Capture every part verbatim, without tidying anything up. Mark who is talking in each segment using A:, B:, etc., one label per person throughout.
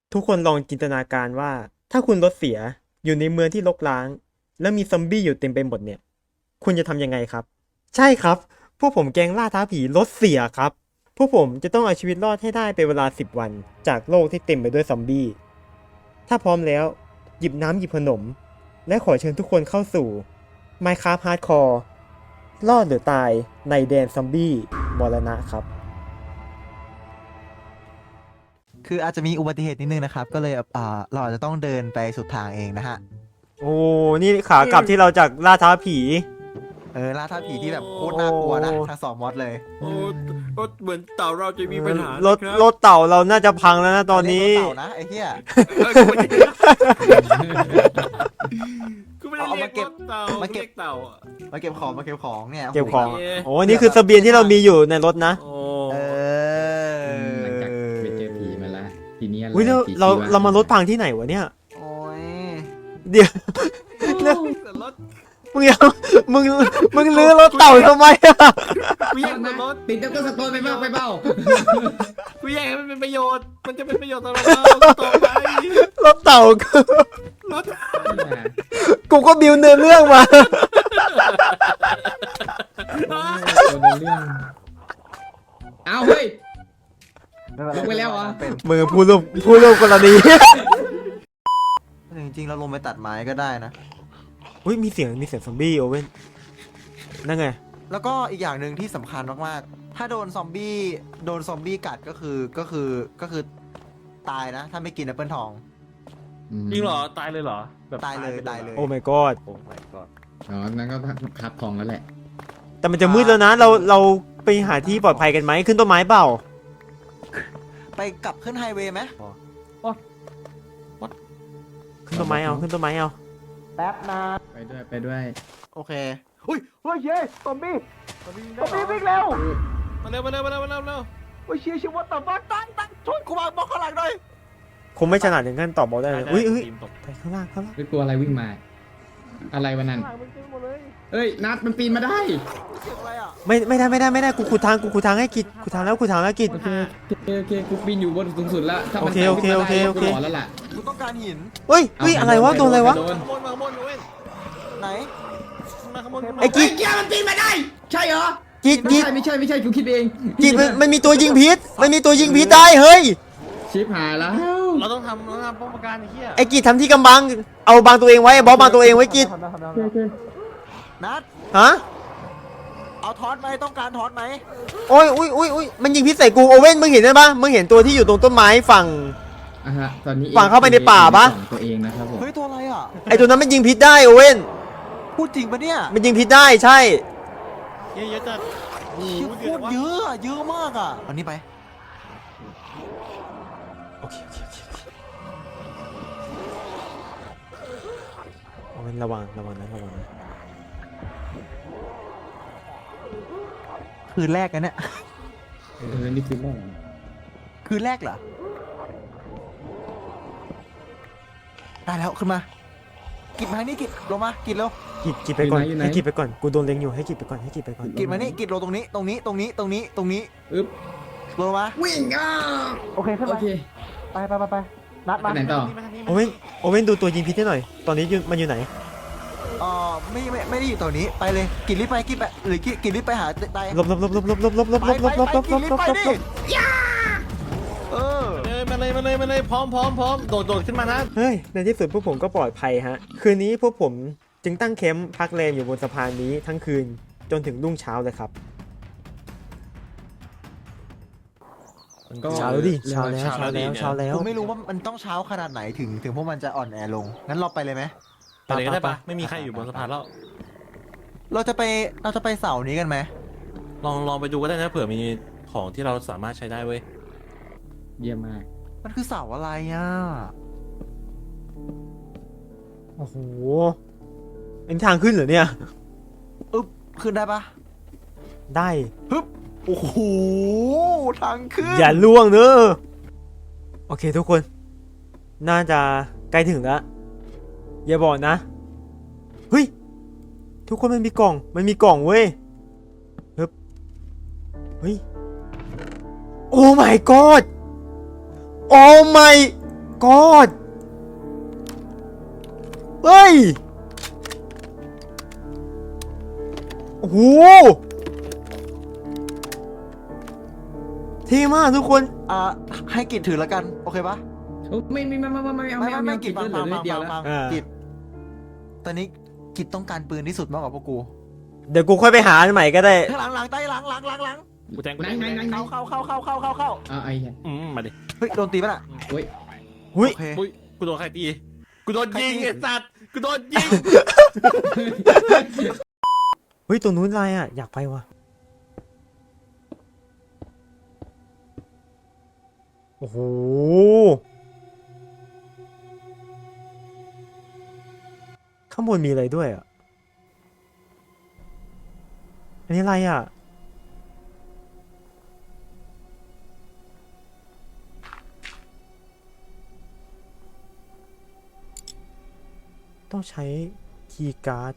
A: ทุกคนลองจินตนาการว่าถ้าคุณรถเสียอยู่ในเมืองที่รกร้างแล้วมีซอมบี้อยู่เต็มไปหมดเนี่ยคุณจะทำยังไงครับใช่ครับพวกผมแก๊งล่าท้าผีรถเสียครับพวกผมจะต้องเอาชีวิตรอดให้ได้เป็นเวลาสิบวันจากโลกที่เต็มไปด้วยซอมบี้ถ้าพร้อมแล้วหยิบน้ำหยิบขนมและขอเชิญทุกคนเข้าสู่ Minecraft Hardcore รอดหรือตายในแดนซอมบี้มรณะครับ
B: คืออาจจะมีอุบัติเหตุนิดนึงนะครับ ก็เลยอ่าเราอาจจะต้องเดินไปสุดทางเองนะฮะ
A: โอ้นี่ขากลับที่เราจากล่าท้าผี
B: เออล่าท้าผีที่แบบโคตรน่ากลัวนะทั้งสองมอดเลย
C: โอ้รถเหมือนเต่าเราจะมีปัญหาร
A: ถรถเต่าเราน่าจะพังแล้วนะตอนนี้
B: เรียกรถเต่านะไอ้เหี้ย
C: กูไม่ได้
B: เอา
C: เรีย
B: มาก เก็บ
C: รถเต่า
B: มาเก็บ
C: รียเต่าอ่ะ
B: มาเก็บของมาเก็บของเนี่ย
A: เก็บของ
C: โอเค
A: โอ้นี่คือเสบียงที่เรามีอยู่ในรถนะ
C: โอ้
B: เออ
D: หลังจากไปเจอผีมาละทีนี้อะไร
A: อุ้ยเรา
D: ผี
A: เรา
D: ชีวะ
A: เรามารถพังที่ไหนวะเนี่ย
B: โอ้ย
A: เดี๋ยว
C: เรื่องรถ
A: มึงเอามึงมึงลื้อรถเต่าทำไมอะ
C: กูแย่งมันรถ
D: ติดแล้วก็สโตนไปบ้างไปเบ้า
C: กูแย่งให้มันเป็นประโยชน์ มันจะเป็นประโยชน์ต่อเราต่อไป
A: รถเต่ากู
C: รถ
A: กูก็บิวเนื้อเรื่องมา
D: ตัวเรื่องเอาเฮ้ย ลงไปแล้วเหรอ
B: เป็น
A: มือผู้ร่วมผู้ร่วมกรณี
B: จริงๆเราลงไปตัดไม้ก็ได้นะ
A: อุ้ยมีเสียงมีเสียงซอมบี้โอเว่นนั่นไง
B: แล้วก็อีกอย่างหนึ่งที่สำคัญมากๆ ถ้าโดนซอมบี้โดนซอมบี้กัดก็คือก็คือก็คือตายนะ ถ้าไม่กินแอปเปิลทอง
C: จริงเหรอ ตายเลยเหรอแบบ
B: ตายเลย
C: ไป
B: ตายเลย
A: โอ้ my god
C: โอ้ my god
D: อ๋อนั่นก็ทับทองแล้วแหละ
A: แต่มันจะมืดแล้วนะ เราเราไปหาที่ปลอดภัยกันไหมขึ้นต้นไม้เปล่า
B: ไปกลับขึ้นไฮเวย์ไหม
A: ขึ้นต้นไม้เอาขึ้นต้นไม้เอา
B: แป๊บนะ
D: ไปด้วยไปด้วย
B: โอเคอุ้ยเฮ้ยเย้ซอมบี้ซอมบี้วิ่งเร็ว
C: มาเร็วมาเร็วมาเร็วมาเร็วมาเร็ว
B: โอ้ยเชี่ยชิวต่อบ้านตั้งตั้งช่วยกูมาบอกข้างหลังหน่อย
A: คงไม่ฉลาดถึงขั้นตอบบอกได้เลย
C: ได้
A: อุ้ยอุ้ย
C: ทีมตก
A: ไปข้างล่างข้างล่าง
D: ไม่กลัวอะไรวิ่งมา อะไรวะนั่นเอ้ยนัดมันปีนมาได้
B: เสียงอะไรอ่ะ
A: ไม่ไม่ได้ไม่ได้ไม่ได้กูขุดทางกูขุดทางให้กิจขุดทางแล้วขุดทางแล้วกิจ
D: โอเคโอเคโอเคกูปีนอยู่บนสูงสุดแล้วถ้ามัน
A: โอเคโอเคโอเคโอเค
D: กูหลอนแล้วล่ะ
B: กูต้องการหิน
A: เฮ้ยเฮ้ยอะไรวะโดนอะไรวะ
D: โดน
C: ขโมยมาขโมยมาเว้ย
B: ไหน
C: มาขโมยมา
A: ไอ้กิ๊
D: ไอ้เกียมันปีนมาได้ ใช่เหรอ
A: กิจ
D: ไม่
A: กิจ
D: ใช่ไม่ใช่ไม่ใช่กูคิดเอง
A: กิจมันมันมีตัวยิงพิษมันมีตัวยิงพิษได้เฮ้ย
D: ชิบหายแล้ว
C: เราต้องทำเราต้องทำป้องกันไอ้เหี้ย
A: ไอ้กิจทำที่กำบังเอาบังตัวเองไว้บอสบังตัวเองไว้กิจ
D: โอเค
B: นัด
A: ฮะ
B: เอาทอดไหมต้องการทอดไหม
A: โอ้ยอุ้ยอุ้ยอุ้ยมันยิงพิษใส่กูโอเว่นมึงเห็นได้ปะมึงเห็นตัวที่อยู่ตรงต้นไม้ฝั่ง
D: อ่ะฮะตอนนี้
A: ฝั่งเข้าไปในป่าปะ
D: ของตัวเองนะครับผม
B: เฮ้ยตัวอะไรอ่ะ
A: ไอ้ตัวนั้นมันยิงพิษได้โอเว่น
B: พูดจริงปะเนี่ย
A: มันยิงพิษได้ใช่
C: เยอะๆจัดโอ้
B: เชี่ย
C: โห
B: โคตรเยอะอะเยอะมากอ่ะอันนี้ไป
A: โอเคโอเคโอเคโอเคโอเว่นระวังระวังนะระวังนะ
B: คืนแรกกันเนี่ย
D: เออนี่คือแม่ง
B: คืนแรกเหรอได้แล้วขึ้นมากิดมานี่กิดลงมากิดเร็ว
A: กิจกิจไปก่อนให้กิจไปก่อนกูโดนเล็งอยู่ให้กิจไปก่อนให้กิจไปก่อน
B: กิดมานี่กิดลงตรงนี้ตรงนี้ตรงนี้ตรงนี้ตรงนี้
D: อึ๊บ
B: ลงมา
D: วิ่งอ่ะ
B: โอเคขึ้น
D: โอ
B: มา
D: เค
B: ไปไปไปไปนัด
D: ไป
B: มา
D: ไหนต่อ
A: โอเว่นโอเว่นดูตัวยิงพิษให้หน่อยตอนนี้อยู่มันอยู่ไหน
B: เออไม่ไม่ไม่ได้อยู่ตัวนี้ไปเลยกิดรีบไปกิดไปหรือกิดกิดรีบไปหาไต
A: ลบลบลบลบลบลบลบลบ
B: ไป
A: ลบ
B: ไป
A: ลบลบ
B: ไป
A: ลบ
B: กิ
A: ล
B: ด
A: บ
B: รีบ
A: ลบ
B: ไป
A: ล
B: ดิ
A: บ
B: เออ
C: เอ้ยมาเลยมาเลยมาเลยพร้อมพร้อมพร้อมโดดโดดขึ้นมานะ
A: เฮ้ยในที่สุดพวกผมก็ปลอดภัยฮะคืนนี้พวกผมจึงตั้งแคมป์พักแรมอยู่บนสะพานนี้ทั้งคืนจนถึงรุ่งเช้าเลยครับ
D: ก็
A: เช้าแล้วดิเช้าแล้วเช้าแล้วเช้าแล้ว
B: ผมไม่รู้ว่ามันต้องเช้าขนาดไหนถึงถึงพวกมันจะอ่อนแอลงงั้นเราไปเลยไหม
C: ไปเลยก็ได้ปะไม่มีใครอยู่บนสะพานแล้ว
B: เราจะไปเราจะไปเสาร์นี้กันไหม
C: ลองลองไปดูก็ได้นะเผื่อมีของที่เราสามารถใช้ได้เว้ย
D: เยี่ยมมาก
B: มันคือเสาร์อะไรอ่ะ
A: โอ้โหเป็นทางขึ้นเหรอเนี่ย
B: อึ๊บขึ้นได้ปะ
A: ได้
B: ฮึบโอ้โหทางขึ้น
A: อย่าล่วงเนอะโอเคทุกคน น่าจะใกล้ถึงแล้ว อย่าบอกนะ เฮ้ย ทุกคนมันมีกล่อง มันมีกล่องเว้ยเฮ้ยเฮ้ย โอ้ my god โอ้ my god เฮ้ย โอ้โหเท่มากทุกคน
B: อ่าให้กิจถือแล้วกันโอเคปะ
D: โอ้ไม่ไม่ไม่ไม่ไม่ไม่เอา
B: ไม่
D: ไม่เอา
B: ไม่
D: ไม่
B: ไม่
D: เอา
B: กิ
D: กิ
B: จ
D: น
B: ฟัง
D: เหลื
B: ฟั
D: อง นิ
B: ฟั
D: ด
B: ง
D: เดียว
B: ฟัง
D: แล้ว
B: ฟัง
A: อ่า
B: กิจตอนนี้กิจต้องการปืนที่สุดมากกว่าพวกกู
A: เดี๋ยวกูค่อยไปหาอันใหม่ก็ได้
B: หลังหลังใต้หลังหลังหลังหลัง
C: กูแทงกู
D: ไหน
C: แทง
D: ไหนไหนไหน
B: เข้าเข้าเข้าเข้าเข้าเข้าเข้า
D: อ่าไอ้เหี้ย
C: อืมมาดิ
B: เฮ้ยโดนตีป่ะน่ะ
D: โอ้ย
A: หุ้ย
B: โอเค
C: อุ้ยกูโดนใครตีกูโดนยิง
B: ใครตี
C: ไอ้สัตว์กูโดนยิง
A: เฮ้ยตัวนู้นอะไรอ่ะ อยากไปว่ะ โอ้โห ข้างบนมีอะไรด้วยอ่ะ อันนี้อะไรอ่ะ ต้องใช้คีย์การ์ด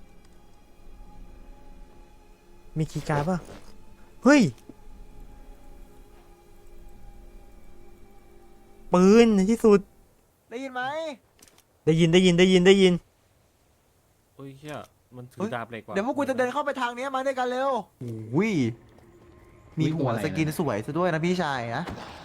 A: มีคีย์การ์ดป่ะ เฮ้ย ปืนในที่สุด
B: ได้ยินไหม
A: ได้ยินได้ยินได้ยินได้ยิน
C: โอ้ยเฮียมันถื
B: เฮ้
C: อย ดาบเหล็กว่ะ
B: เดี๋ยวพวกกูจะเดินเข้าไปทางนี้มาด้วยกันเร็ววิมีหัวสกินสวยซะด้วยนะพี่ชายนะ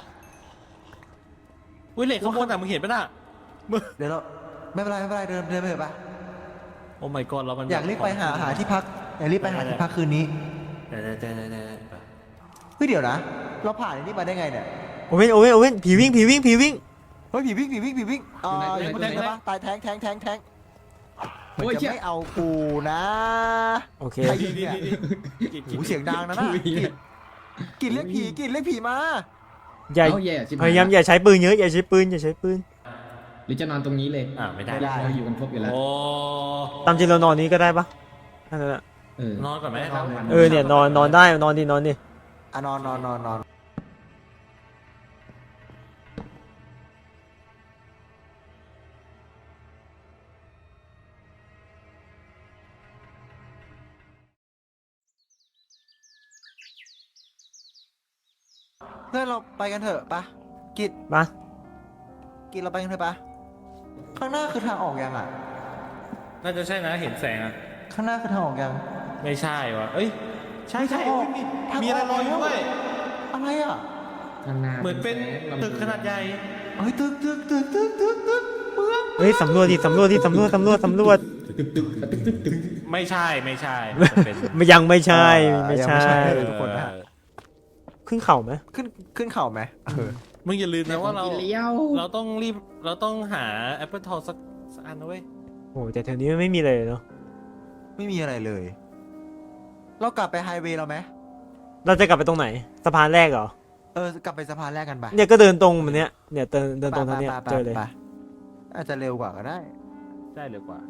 C: อุ้ยเหล็กข้างบนอ่ะมึงเห็นปะน่ะมึง
B: เดี๋ยวเราไม่เป็นไรไม่เป็นไรเดินเดินไปเถอะปะ
C: โอ้ my god แล้วมัน
B: อยากรีบไปหาหาที่พักอยากรีบไปหาที่พักคืนนี้
C: เดี๋ยวเดี๋ยวเดี๋ยวเดี๋ยวเดี๋ยว
B: เฮ้ยเดี๋ยวนะ เราผ่านอันนี้มาได้ไงเนี่ย
A: โอเว่นโอเว่นโอเว่นผีวิ่งผีวิ่งผีวิ่ง
B: เฮ้ยผีวิ่งผีวิ่งผีวิ่งอ่าอยู่ไหนปะตายแทงแทงแทงแทงเหมือนจะไม่เอากูนะ
A: โอเค
B: ใคร
C: ดี
B: ยิง
C: ดี
B: เนี่ย
C: ดีดี
B: หูเสียงดังนะน่ะกินกินเรียกผีกินเรียกผีมา
A: อย่า
D: เอาแย่ชิบ
A: พยายามอย่าใช้ปืนเยอะอย่าใช้ปืนอย่าใช้ปืน
D: หรือจะนอนตรงนี้เลย
C: อ่าไม่ได้
D: เราอยู่กันครบอยู่แล้ว
C: โอ้
A: ตามจริงเรานอนนี้ก็ได้ปะนั่นแหละ
D: เออน
C: อนก่อนไหม
D: นอนมัน
A: เออเนี่ยนอนนอนได้นอนดินอนดิ
B: อ่ะนอนนอนนอนนอน เพื่อนเราไปกันเถอะปะกิด
A: มา
B: กิดเราไปกันเถอะปะข้างหน้าคือทางออกยังอ่ะ
C: น่าจะใช่นะเห็นแสงอ่ะ
B: ข้างหน้าคือทางออกยัง
C: ไม่ใช่ว่ะเอ้ยใช่ใช่
B: ทางออก
C: มี
B: ทาง
C: มีอะไรลอยอยู่ด้วย
B: อะไรอ่ะ
D: ข้างหน้า
C: เหมือนเป็นตึกขนาดใหญ่
B: เฮ้ยตึกตึกตึกตึกตึกตึกเมือง
A: เฮ้ยสำรวจดิสำรวจดิสำรวจสำรวจสำรวจ
C: ไม่ใช่ไม่ใช่มันเป็น
A: ไม่ยังไม่ใช่ไม่ใช่
B: ทุกคนนะ
C: เออ
A: ขึ้นเข่าไหม
B: ขึ้นขึ้นเข่าไหมเออ
C: มึงอย่าลืมนะว่าเรา
D: เลี้ยว
C: เราต้องรีบเราต้องหาแอปเปิลทองสักสักอันนะเว้ย
A: โอ้แต่แถวนี้ไม่มีเลยเนาะ
B: ไม่มีอะไรเลย เรากลับไปไฮเวย์เราไหม
A: เราจะกลับไปตรงไหนสะพานแรกเหรอ
B: เออกลับไปสะพานแรกกันไป
A: เนี่ยก็เดินตรงมันเนี้ยเนี่ยเดินเดินตรงทางเนี้ย
B: ไปไปไป
A: เจอเลย
B: ไปอาจจะเร็วกว่าก็ได้
C: ได้เร็วกว่า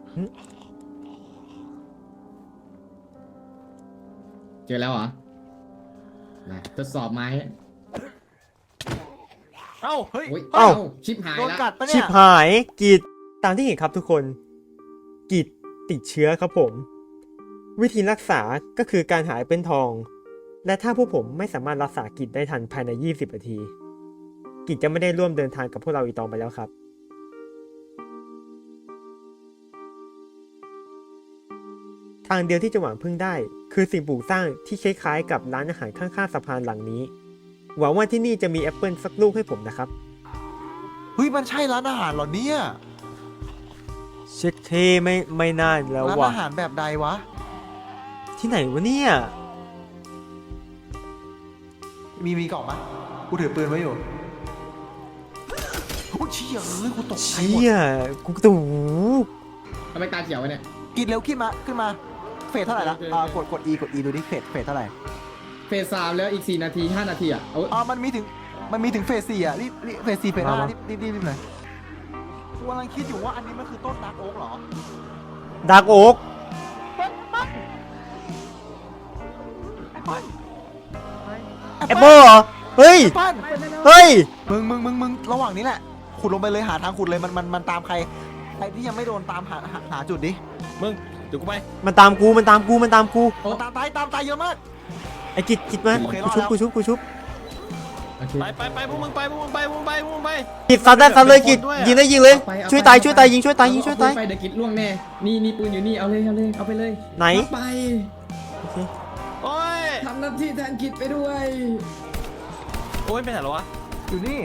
D: เจอแล้วเหรอมาทดสอบไม้
C: เอ้า
B: เฮ้ย
D: โอ้ย
A: เอ้า
D: ชิปหาย
B: โดน
D: แล้ว
B: กัดปะ
A: ชิ
B: เนี่
A: บ
B: ย
A: หายกีดตามที่เห็นครับทุกคนกีดติดเชื้อครับผม วิธีรักษาก็คือการหายเป็นทอง และถ้าพวกผมไม่สามารถรักษากิจได้ทันภายในยี่สิบนาที กิจจะไม่ได้ร่วมเดินทางกับพวกเราอีกต่อไปแล้วครับ ทางเดียวที่จะหวังพึ่งได้ คือสิ่งปลูกสร้างที่คล้ายๆกับร้านอาหารข้างๆสะพานหลังนี้ หวังว่าที่นี่จะมีแอปเปิลสักลูกให้ผมนะครับ
B: เฮ้ยมันใช่ร้านอาหารเหรอเนี่ย
A: เช็คเทไม่ไม่น่าแล้ว
B: ร้าน
A: ว่ะ
B: อาหารแบบใดวะ
A: ที่ไหนวะเนี่ย
B: มีมีกล่องปะกูถือปืนไว้อยู่โอ้เชี่ยเอ้ยกูตกใจหมด
A: เชี่ยกูตู่
D: ทำไมตาเขียววะเนี่ย
B: กินเร็วขึ้นมาขึ้นมาเฟสเท่าไหร่ละอ่ากดกด E กด E ดูดิเฟสเฟสเท่าไหร่
D: เฟสสามแล้วอีกสี่นาทีห้านาทีอ่ะเอา
B: อ่ามันมีถึงมันมีถึงเฟสสี่อ่ะรีบรีบเฟสสี่เฟสห้ารีบรีบรีบรีบหน่อยกูกำลังคิดอยู่ว่าอันนี้มันคือต้นดาร์กโอ๊กเหรอ
A: ดาร์กโอ๊ก
B: แอป
A: แอป
B: เปิ้
A: เปิ
B: ล
A: ลเหรอ เฮ้ย
B: แอปเปิ้ล
A: เฮ้ย
B: มึงมึงมึงมึงระหว่างนี้แหละขุดลงไปเลยหาทางขุดเลยมันมันมันตามใครใครที่ยังไม่โดนตามหาหาหาจุดดิ
C: มึงเดี๋ยวกูไป
A: มันตามกูมันตามกูมันตามกู
B: มันตามตายตามตายเยอะมาก
A: ไอ้กิจกิจมา
B: โอเคร
A: กู
B: อด
A: ชุบ
B: แล้ว
A: กูชุบกูชุบ
D: เโอเค
C: ไปไปไปพวกมึงไปพวกมึงไปพวกมึงไปพวกมึงไป
A: กิดซัดได้ซัดเลยกิด
C: ด้วยอะ
A: ยิงได้ยิงเลย
D: เอาไปเอาไป
A: ช่วยตายช่วยตายยิงช่วยตาย
D: เอ
A: ยิงช่วยตาย
D: เอปืนไปเดี๋ยวกิดล่วงแน่นี่นี่ปืนอยู่นี่เอาเลยเอาเลยเอาไปเลย
A: ไหน
D: เอาไป
A: โอเค
C: โอ้ย
D: ทำหน้าที่แทนกิดไปด้วย
C: โอ้ยไปไหนแล้ววะ
B: อยู่นี่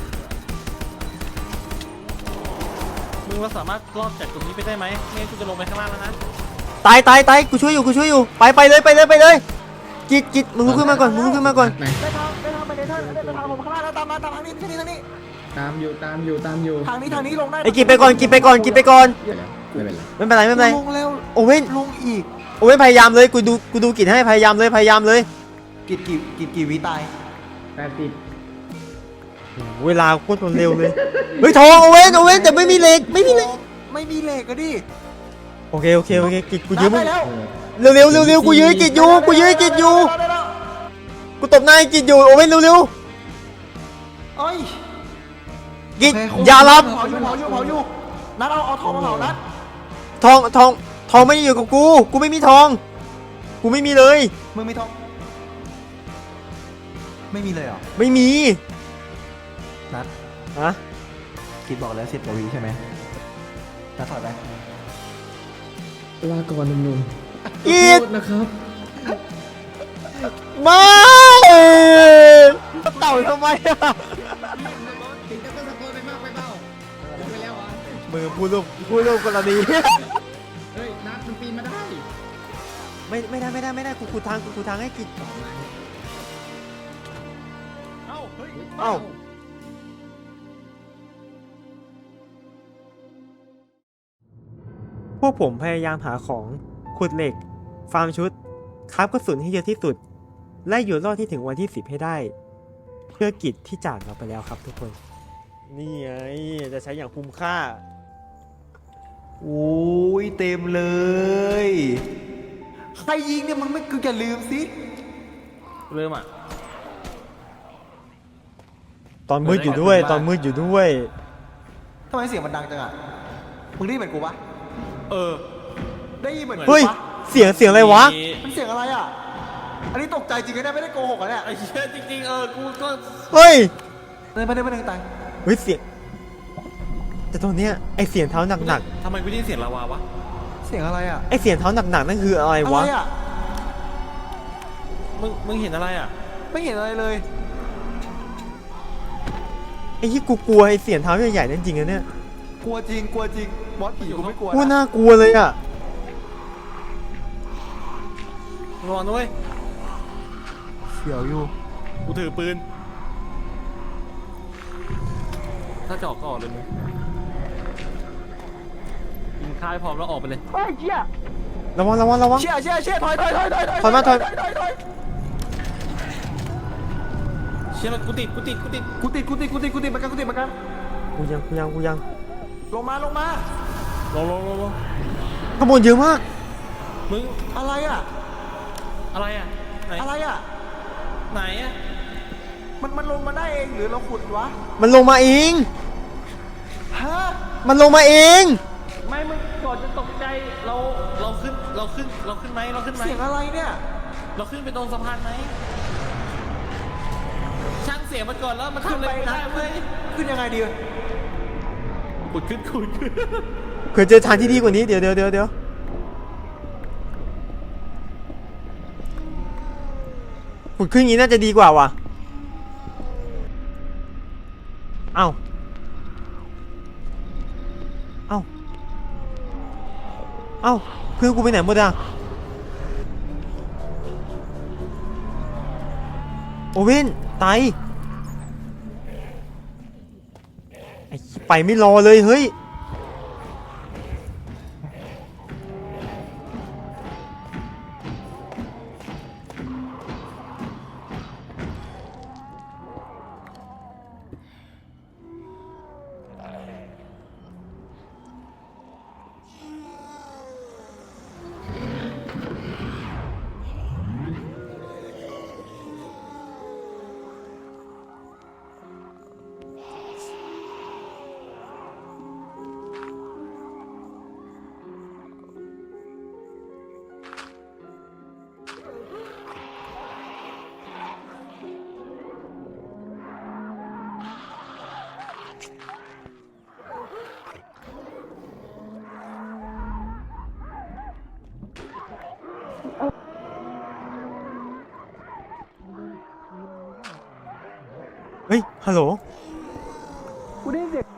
C: มึงเราสามารถรอดจากตรงนี้ไปได้ไหมไม่งั้นกูจะลงไปข้างล่างแล้วนะ
A: ตายตายตายกูช่วยอยู่กูช่วยอยู่ไปไปเลยไปเลยไปเลยกิดกิดมึงลุกขึ้นมาก่อนมึงลุกขึ้นมาก่อน
D: ไหน
B: ได้ทางได้ทางไปเนเธอร์ได้ทางผมข้างล่างแล้วตามมาตามทางนี้ทางนี้ทางนี้
D: ตามอยู่ตามอยู่ตามอยู่
B: ทางนี้ทางนี้ลงได้
A: ไอ้กิดไปก่อนกิดไปก่อนกิดไปก่อน
D: ไม่เป็นไรไม่เป็นไร
A: ไม่เป็นไรไม่เป็นไร
B: ลงแล้ว
A: โอเว่น
B: ลงอีก
A: โอเว่นพยายามเลยกูดูกูดูกิดให้พยายามเลยพยายามเลย
B: กิดกี่กิดกี่วิตาย
D: แปดสิบ
A: เวลาโคตรเร็วเลยเฮ้ยทองโอเว่นโอเว่นแต่ไม่มีเหล็กไม่มีเหล็ก
B: ไม่มีเหล็กก็ดิ
A: โอเคโอเคโอเคกิดกูยืมมึ
B: ได้
A: ง
B: แล้ว
A: เร็วเร็วเร็วเร็วกูยืมกิดอยู่กูยืมกิดอยู่
B: ได้แล้ว
A: กูตบหน้ากิดอยู่โอเว่นเร็วเร็ว
B: เอ้ย
A: กิด
B: โเค
A: อย่ารับ
B: เผาอยู่เผาอยู่เผาอยู่นัดเอาเอาทองมาเผานัด
A: ทองทองทองไม่ได้อยู่กับกูกูไม่มีทอง กูไม่มีเลย
B: มึงมีทองไม่มีเลยเหรอ
A: ไม่มี
B: นัด
A: ฮะ
B: คิดบอกแล้วสิบกว่าวิใช่ไหมนัดถอยไป
D: ลาก่อนหนุ่มๆ
A: อี
D: ขอ
A: ด
D: โทษนะครับ
A: ไม่เต่าทำไมอะ
D: ถึงจะต้องตะโกนไปมากไปเปล่าลงไปแล้วเหรอ
A: มือพูดรูปพูดรูปกรณี
D: เฮ้ยนัดมันปีนมาได้
A: ไม่ไม่ได้ไม่ได้ไม่ได้กูกูทางกูกูทางให้กิจ
D: ต่อมา
C: เอ้าเฮ้ย
A: เอ้าพวกผมพยายามหาของขุดเหล็ก ฟาร์มชุดคราฟกระสุนให้เยอะที่สุด และอยู่รอดที่ถึงวันที่สิบให้ได้ เพื่อกิจที่จากเราไปแล้วครับทุกคน นี่ไงจะใช้อย่างคุ้มค่า
B: โอ้ยเต็มเลย ใครยิงเนี่ยมึงไม่คืออย่าลืมสิ
C: เริ่มอ่ะ
A: ตอนมืดอยู่ด้วย ตอนมืดอยู่ด้วย
B: ทำไมเสียงมันดังจังอ่ะมึงได้ยินเหมือนกูปะ
C: เออ
B: ได้ยินเหมือนกู
A: เฮ้ย
B: ปะ
A: เสียงเสียงอะไรวะ
C: มี
B: มันเสียงอะไรอ่ะ อันนี้ตกใจจริงนะเนี่ยไม่ได้โกหกอ่ะเนี่ย
C: ไอ้เชี่ยจริงๆเออกูก็
A: เฮ้ย
B: เดินไปเดินไปเดินตาย
A: เฮ้ยเสียง แต่ตรงเนี้ยไอเสียงเท้าหนัก
C: ทำไมกูได้ยินเสียงลาวาวะ
B: เสียงอะไรอ่ะ
A: ๆไอเสียงเท้าหนักๆนั่นคืออะไร
B: อะไร
A: วะ
B: อ่ะ
C: มึงมึงเห็นอะไรอ่ะ
B: ไม่เห็นอะไรเลย
A: ไอ้ที่กูกลัวไอเสียงเท้าใหญ่ๆนั่นจริงนะเนี่ย
B: กลัวจริงกลัวจริงบอสผีกูไม่กลัว
A: กู
B: นะ
A: น่ากลัวเลยอ่ะ
C: ระวังด้วย
B: เสียวอยู่
C: กูถือปืน ถ้าจะออกก็ออกเลยมึงยิงค่ายพร้อมแล้วออกไปเลย
B: เฮ้ยเชี่ย
A: ระวังระวังระวัง
B: เชี่ยเชี่ยเชี่ยถอยถอยถอยถอย
A: ถอยมาถอย
B: ถอยถอย
C: เชี่ยมันกูติดกูติดกูติด
B: กูติดกูติดกูติดกูติดเหมือนกันกูติดเหมือนกัน
A: กูยังกูยังกูยัง
B: ลงมาลงมา
C: ลงลงลงลง
A: ขโมยเยอะมาก
C: มึง
B: อะไรอ่ะ
C: อะไรอ่ะไหน
B: อะไรอ่ะ
C: ไหนอ่ะ
B: มันมันลงมาได้เองหรือเราขุดวะ
A: มันลงมาเอง
B: ฮะ
A: มันลงมาเอง
C: ไม่มึงก่อนจะตกใจเราเราขึ้นเราขึ้นเราขึ้นไหมเราขึ้นไหม
B: เสียงอะไรเนี่ย
C: เราขึ้นไปตรงสะพานไหมช่างเสียงมันก่อนแล้วมันขึ้นเลยไม่ได้เว้ย
B: ขึ้นยังไงดี
C: ขุดขึ้นขุดขึ้น
A: เคยเจอทางที่ดีกว่านี้เดี๋ยวเดี๋ยวเดี๋ยวเดี๋ยวขุดขึ้นอย่างนี้น่าจะดีกว่าว่ะ เอ้า เอ้า เอ้าเพื่อนกูไปไหนหมดอ่ะ โอเว่นไตไอ้ไปไม่รอเลยเฮ้ยฮัลโหล
B: กูได้ยินเสียง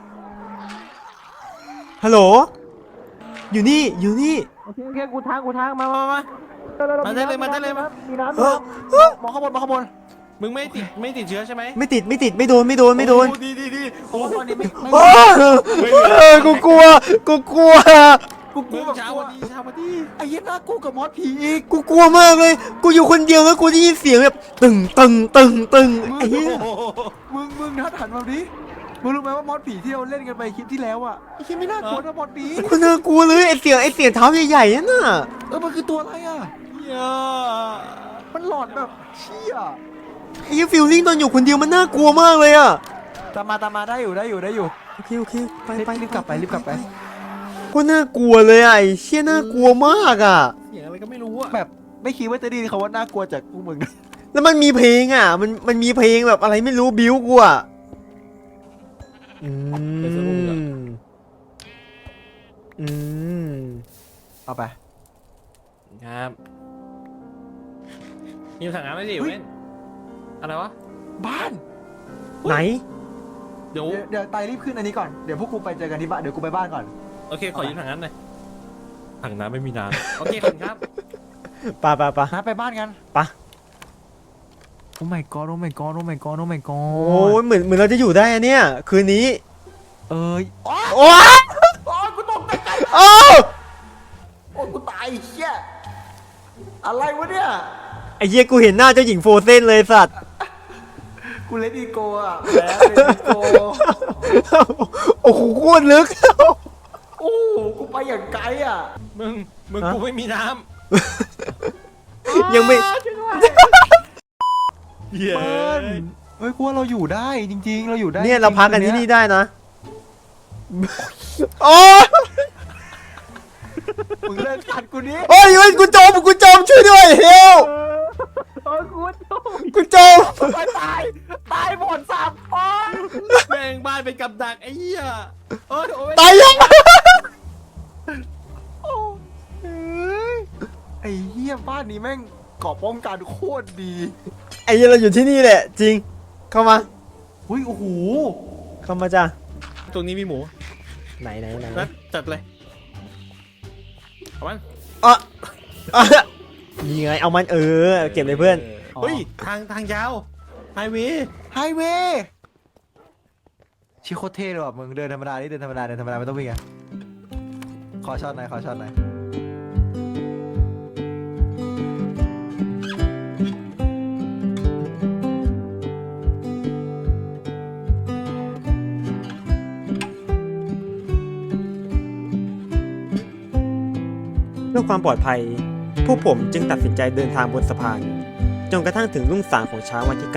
A: ฮัลโหล อยู่นี่ อยู่นี่
B: โอเคโอเคกูทางกูทางมามามา
C: มาได้เลยมาได้เลยมา
B: มีน้ำ
A: เอ
B: มี
A: อ
B: น้ำมองข้างบนมองข้างบน
C: มึงไม่ติดไม่ติดเชื้อใช่ไหม
A: ไม่ติด ไม่ติด ไม่โดน ไม่โดน ไม่โดน
C: อ้ดีดีดี
B: โอ้ตอนนี้ไม่ไม่
A: โอ้เออกูกลัว กูกลัว
B: กูก
C: มึ
B: ลัว
C: ง
B: แบบ
C: เช้าก
B: ลัว
C: วันดีเช้าวันดี
B: ไอ้เหี้ยน่ากลัวกับมอสผีอีก
A: กูกลัวมากเลย กูอยู่คนเดียวแล้วกูได้ยินเสียงแบบตึงตึงตึงตึง
B: มึง
A: ไอ้เหี้ย
B: มึงมึงนัดหันมาดิมึงรู้ไหมว่ามอสผีที่เราเล่นกันไปคลิปที่แล้วอ่ะไอ้เหี้ยไม่น่ากลัวนะมอสผี
A: กูน่ากลัวเลยไอ้เสียงไอ้เสียงเท้าใหญ่ๆนั่นน่ะ
B: เออมันคือตัวอะไรอ่ะ
C: เหี้ย
B: มันหลอนแบบเชี่ย
A: ไอ้ฟิลลิ่งตอนอยู่คนเดียวมันน่ากลัวมากเลยอ่ะ
B: ตามมาตามมาได้อยู่ได้อยู่ได้อยู่
A: โอเคโอเคไปไป
B: รีบกลับไปรีบกลับไป
A: ก็น่ากลัวเลยอ่ะไอ้เชี่ยน่ากลัวมากอ่ะ
C: เสียงอะไรก็ไม่รู้อะ
B: แบบไม่คิดว่าจะไดยินคำว่าน่ากลัวจากพวกมึงนะ
A: แล้วมันมีเพลงอ่ะ มันมันมีเพลงแบบอะไรไม่รู้บิ้วกูอ่ะอืมอืม
B: เอาไป
C: ครับมีถังน้ำไหมสิ
B: เฮ้ย
C: เว้นอะไรวะ
B: บ้าน
A: ไหน
C: เดี๋ยว
B: เดี๋ยวเดี๋ยวไตรีบขึ้นอันนี้ก่อนเดี๋ยวพวกกูไปเจอกันที่บ้านเดี๋ยวกูไปบ้านก่อน
C: โอเคขอยืมถังน้ำหน่อยถังน้ำไม่มีน้ำโอเคขอบคุณครับ
A: ปะปะปะ
B: นะไปบ้านกัน
A: ไป
B: โอ้ my god โอ้ my god โอ้ my god โอ้ my
A: โอ้
B: god
A: ยเหมือนเหมือนเราจะอยู่ได้อะเนี่ย คืนนี้
B: เอ้ยโอ้ย
A: โอ้ย
B: โอ้ยกูตกใจ
A: โอ้
B: โอ้ยกูตายเชี่ยอะไรวะเนี่ย
A: ไอ้เหี้ยกูเห็นหน้าเจ้าหญิงโฟเซนเลยสัตว์
B: กูเลดี้โกอ่ะแหมเลดี้โก
A: โอ้โหโคตรลึก
B: โอ้โหกูไปอย่างไกลอ่ะ
C: มึงมึง
A: ฮะ
C: กูไม่มีน้
A: ยังไม่
C: ำเย้
B: เปิ้ลเฮ้ยกูว่าเราอยู่ได้จริง ๆ เราอยู่ได้
A: เนี่ยเรา
B: จงๆ
A: พักกันที่
B: คื
A: นี่
B: เย
A: ได้นะ โอ้ย
B: มึงเลิกกัดกูนี้
A: โอ้ยเฮ้ยกูจมกูจมช่วยด้วยเฮล
B: โอ้ยกูจม
A: กูจม
B: ตายตายตายหมดสามคน
C: แม่งบ้านเป็นกับดักไอ้เหี้ยเออโอ้ย
A: ตายยัง
B: โอ้ยไอ้เหี้ยบ้านนี้แม่งเกาะป้องกันโคตรดี
A: ไอ้เหี้ยเราอยู่ที่นี่แหละ จริง เข้ามา
B: อุ้ยโอ้โห
A: เข้ามาจ้ะ
C: ตรงนี้มีหมู
A: ไหนไหนไหน
C: นะจัดเลยเอามัน
A: อ่ะอ่ะนี่ไงเอามันเออ เก็บเลยเพื่อน
C: เฮ้ยทางทางยาวไฮเวย์
B: ไฮเวย์ชิโคตรเท่เลยว่ะมึงเดินธรรมดานี่เดินธรรมดาเดินธรรมดาไม่ต้องวิ่งอ่ะขอช็อตหน่อยขอช็อตหน่อย
A: เพื่อความปลอดภัย พวกผมจึงตัดสินใจเดินทางบนสะพาน จนกระทั่งถึงรุ่งสางของเช้าวันที่ 9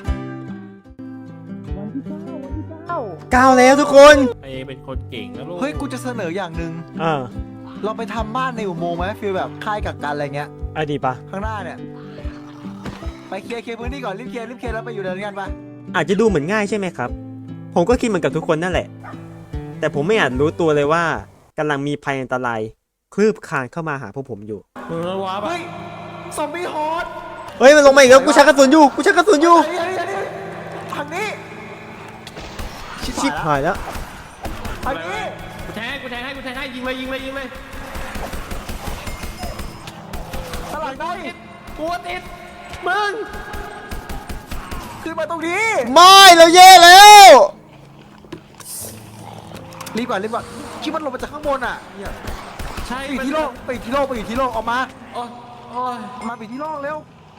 B: วันที่เก้าวันที่เก้า
A: เก้าแล้วทุกคน
C: ไอเป็นคนเก่งนะลูก
B: เฮ้ยกูจะเสนออย่างหนึ่ง
A: อ่า
B: เราไปทำบ้านในอุโมงค์ไหมฟีลแบบค่ายกักกันอะไรเงี้ย
A: อ่ะดีปะ
B: ข้างหน้าเนี่ยไปเคลียร์เคลียร์พื้นที่ก่อนรีบเคลียร์รีบเคลียร์แล้วไปอยู่เดินกันปะ
A: อาจจะดูเหมือนง่ายใช่ไหมครับ ผมก็คิดเหมือนกับทุกคนนั่นแหละ แต่ผมไม่อาจรู้ตัวเลยว่ากำลังมีภัยอันตรายคลืบคลานเข้ามาหาพวกผมอยู่
C: มึงระวังปะ
B: เฮ้ยซอมบี้ฮอต
A: เฮ้ยมันลงมาอีกแล้วกูชักกระสุนอยู่กูชักกระสุนอยู่
B: อันนี้อันนี้อันนี้ทางนี้
A: ชิบหายแล้ว
B: ทางนี้
C: กูแทงกูแทงให้กูแทงให้ยิงเลยยิงเลยยิงเลย
B: ตลาดได้
C: กูติดมึง
B: ขึ้นมาตรงนี้
A: ไม่เราแย่แล้ว
B: รีบก่อนรีบก่อนคิดมันลงมาจากข้างบนอ่ะเนี่ย
C: ใช่
B: ไปอยู่ที่โลกไปอยู่ที่โลกไปอยู่ที่โลกออกมา
C: โอ้ยโอ้ย
B: ออกมาไปอยู่ที่โลกเร็ว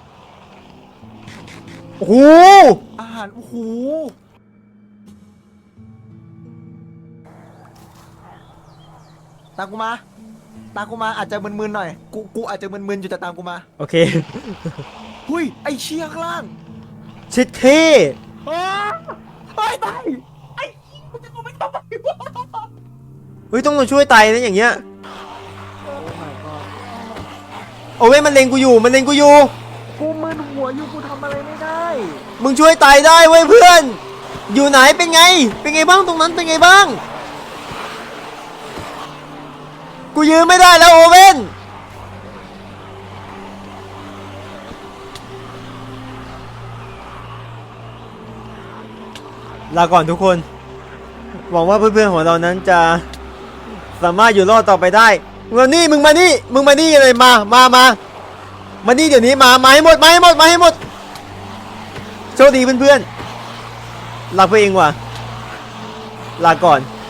A: โอ้โห
B: อาหารโอ้โหตามกูมาตามกูมาอาจจะมึนๆหน่อยกูกูอาจจะมึนๆอยู่แต่ตามกูมา
A: โอเค
B: หุยไอเชี่ยข้างล่าง
A: ชิดเท่
B: เฮ้ยตายไอ้กูจะกูไม่ต้องไปวะ
A: เฮ้ยต้องมาช่วยไตนะอย่างเงี้ยโอ้ยมันเล็งกูอยู่มันเล็งกูอยู่
B: กูมึนหัวอยู่กูทำอะไรไม่ได้
A: มึงช่วยไตได้เว้ยเพื่อน อยู่ไหนเป็นไง เป็นไงบ้างตรงนั้นเป็นไงบ้าง กูยืนไม่ได้แล้วโอเว่นลาก่อนทุกคน หวังว่าเพื่อนๆของเรานั้นจะสามารถอยู่รอดต่อไปได้มึงมานี่มึงมานี่มึงมานี่เลยมามามามานี่เดี๋ยวนี้มามาให้หมดมาให้หมดมาให้หมดโชคดีเพื่อนๆรักเพื่อนเองว่ะลาก่อน